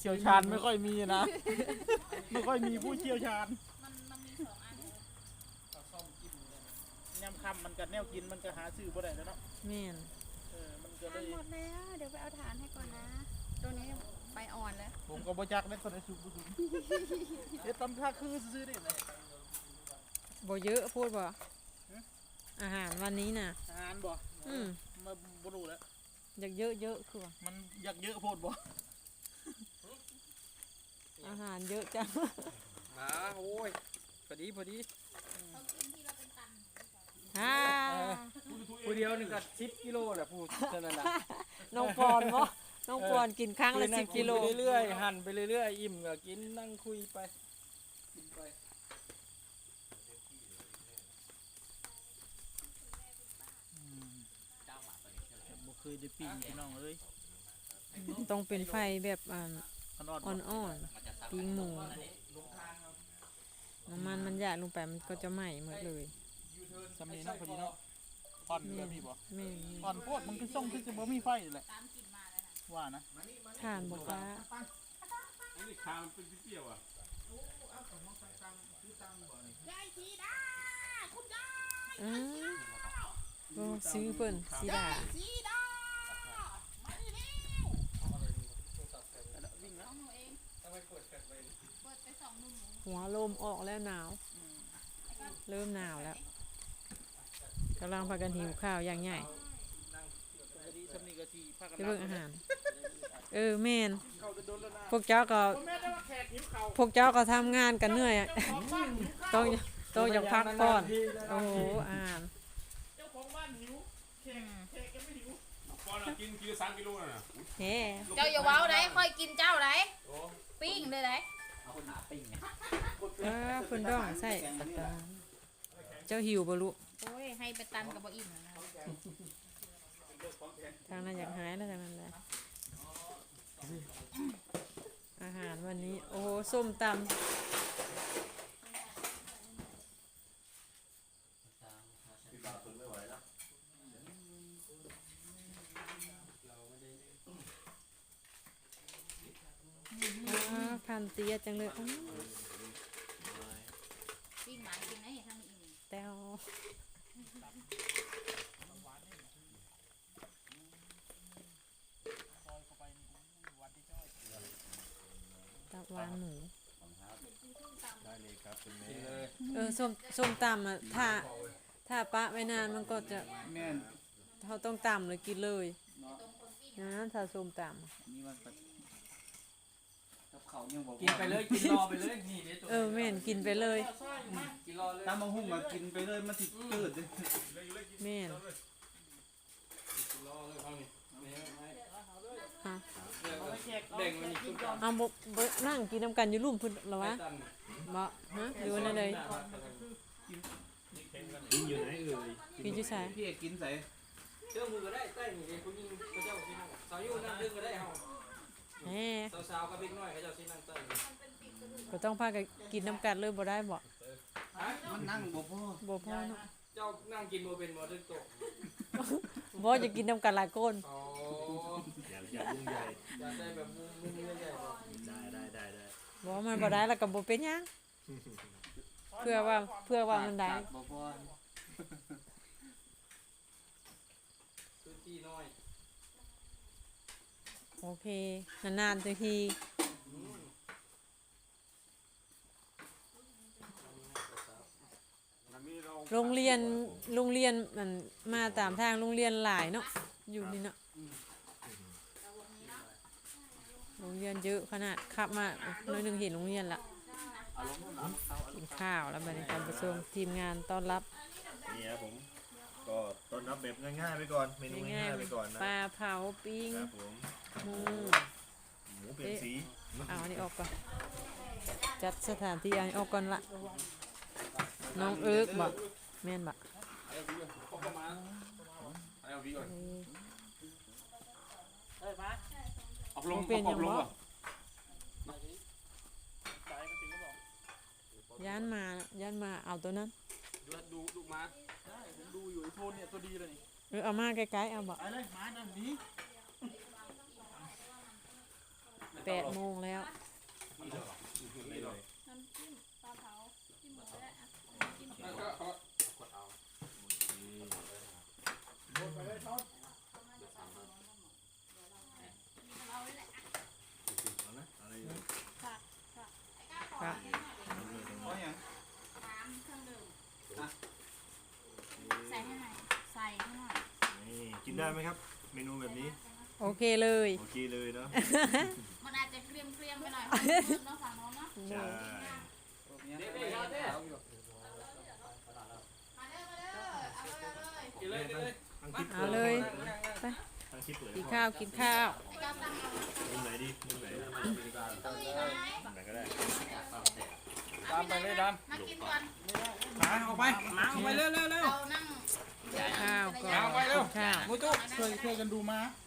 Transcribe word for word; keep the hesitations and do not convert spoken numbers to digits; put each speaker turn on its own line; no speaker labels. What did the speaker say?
เชี่ยวชาญไม่ค่อยมีนะไม่ค่อยมีผู้เชี่ยวชาญ
มันมันมีสองอัน
ซ่อมกินยำคำมันกับแนวกินมันก็หาซื้อบ่ได้แล้วเนาะ
แม่น
เออมันก็เล
ทาน
ย
หมดแล้วเดี๋ยวไปเอาฐานให้ก่อนนะตัวนี้ใบอ่อนแล้ว
ผมก็บ่จักได้ตอนนี้สุกบ่สุกเอ๊ะตำท่าคือซื้อได้ไหน
บ่เยอะพูดบ่อาหารวันนี้น่ะ
อาหารบ่
อืม
มาบ่รู้แล้ว
อยากเยอะเยอะคือว่า
มันอยากเยอะโพดบ่
อาหารเยอะจัง
มาโอ้ยพอดีพอดี
เขากินที่เราเป็นตัน
ฮ่า
ผู้เดียวนี่ก็สิบกิโลแหละพูดเท่านั้นล่ะ
น้องปอนบ่น้องปอนกินครั้งละสิบกิโล
ไปเรื่อยๆหั่นไปเรื่อยๆอิ่มก็กินนั่งคุยไปกินไป
บ่เคยได้ปิ้งพี่น้องเอ้ย
ต้องเป็นไฟแบบอ่า
อ่อน
อ่อนๆปิ้งหมูน้ำมันมันหยาดลงไปมันก็จะไหม้หมดเลย
สำนีเนาะพอดีเนาะอ่อนแบบนี้บ่
แม่
อ่อนโพดมันคือส่งคือจะบ่มีไฟแหละว่านะ
ทานบ่ฟ้า
อันนี้คามันเป็นเปรี้ยวอ่ะ
ยายสีดาคุณยาย
อือโอ้ซื้อเพิ่นสีดา
สีดามาดิเร็ว
วิ่งแล้ว
หนูเองเปิดไปสองหนุ่ม
หัวลมออกแล้วหนาวเริ่มหนาวแล้วกำลังพากันหิวข้าวอย่างใหญ่ไปเบิ่งอาหารเออแม่นพวกเจ้าก็พวกเจ้าก็ทำงานกันเหนื่อยต้องต้องอยากพักก่อนโอ้โหอาหาร
เจ้าของบ้านหิวแขกแขกยังไม่หิว
ปอนกินกินสามกิโลน่ะ
เฮ้
เจ้าอย่าว้าวไหนค่อยกินเจ้าไหนปิ้งเลยไหน
เอาคนหนาปิ้งไง
เออเพิ่นดองใส่เจ้าหิวบ่ลูก
โอ้ยให้ไปตันกับบ่อิ่มนะ
ทางนั้นอยากหายแล้วทางนั้นแหละอาหารวันนี้โอ้โหส้มตำพันเตียจังเลย
ปิ้งหมากินนะเห็นทางนี้
แต้วตับหวานหมู
ได้เลยครับคุณแม่
เออส้มส้มตำอ่ะถ้าถ้าปะไว้นานมันก็จะ
แม่น
เขาต้องตำเลยกินเลยนะถ้าส้มตำ
นี่มันกับเขายังบอก
กินไปเลยกินรอไปเลยนี่เดี๋ยวตัว
เออแม่นกินไปเลย
กินรอเลย
ตามมาหุ้มมากินไปเลยมันสิเกิด
แม่นฮะเอาบกนั่งกินน้ำกันอยู่รุ่มพุ่นหรอวะบ่ฮะอยู่นั่นเลย
กินอยู่ไหนเอ่ย
กินจุ๊ใส่
พี่กินใส่
เจ้ามือก็ได้ใต้หนีคุณยิงพระเจ้ากินสาวยุ่นั่งดึงก็ได้เฮา
แหม
สาวๆกับเด็กน้อยเขาเจ้าสินั่งใต้
ก็ต้องพากันกินน้ำกันเลยบ่ได้บ่
มันนั่งบ่พอ
บ่พอเนาะ
เจ้านั่งกินบ่เป็นบ่ถึงโต
บ่จะกินน้ำกันหลายคน
อ๋ออย่าอย่ายุ่งใหญ่อย่าได้แบบมุมๆใหญ่ๆบ่ได้ได้ได้ได้
บ่มันบ่ได้แล้วก็บ่เป็นหยังเพื่อว่าเพื่อว่ามันได้
บ่พอ
คือที่น้อย
โอเคนานๆทีโรงเรียนโรงเรียนมันมาตามทางโรงเรียนหลายเนาะอยู่นี่เนาะโรงเรียนเยอะขนาดขับมาหน่อยนึงเห็นโรงเรียนละกินข้าวแล้วบรรยากาศประชุมทีมงานต้อนรับ
นี่ครับผมก็ต้อนรับแบบง่ายๆไปก่อนเมนูง่ายๆไปก่อนนะ
ปลาเผาปิ้งหมู
หมูเป็นสี
เอาอันนี้ออกก่อนจัดสถานที่อันนี้ออกก่อนละน้องเอิ๊กบอกแม่นบอก
ออกลงเป็นยังบ่
ย่านมาย่านมาเอาตัวนั้น
ดูดูดูมา
ได้ผมดูอยู่ไอ้โทนเนี่ยตัวดีเลยนี่
เออเอามาใกล้ๆเอาบอก
ไปเลยมาดันนี้
แปดโมงแล้ว
น้ำจิ้มปลาเผาจิ้มหมูได้อ่ะจิ้มหมู
ไปเลยท็อป
เอาไว้แหละ
เอานะอะไรอยู่
ค่ะค่ะไอ้ก้าขอ
ครับ
เอาเลยตรง
เอา
นี้
อย่าง
น้ำเครื่องดื่มใส่ให้หน่อยใส่ให้หน่อย
นี่กินได้ไหมครับ เมนูแบบนี้
โอเคเลย
โอเคเลยเนาะ
มันอาจจะเกรียมเกรียมไปหน่อยเนาะฝั่งโน้นเนาะ
ใช่
เด็ดเด็ดเด็ด
มาเด้อมาเด้อเอาเลยเอาเลย
กินเลยกินเลย
ทั้งคลิป
เอาเลย
ทั้งคลิปเลย
กินข้าวกินข้าว
ไอ้ก้าตั้งเอา
มุมไหนดีมุมไหน
ตรงนี้ไหม
มุมไหนก็ได้
ตามไปเลยดัน
มากินก่อน
หมาออกไปหมาออกไปเร็วเร็วเร็ว
เรานั่ง
ข้าวก่อน
เอาไปเร็ว
ข้าว
มูจุช่วยช่วยกันดูม้า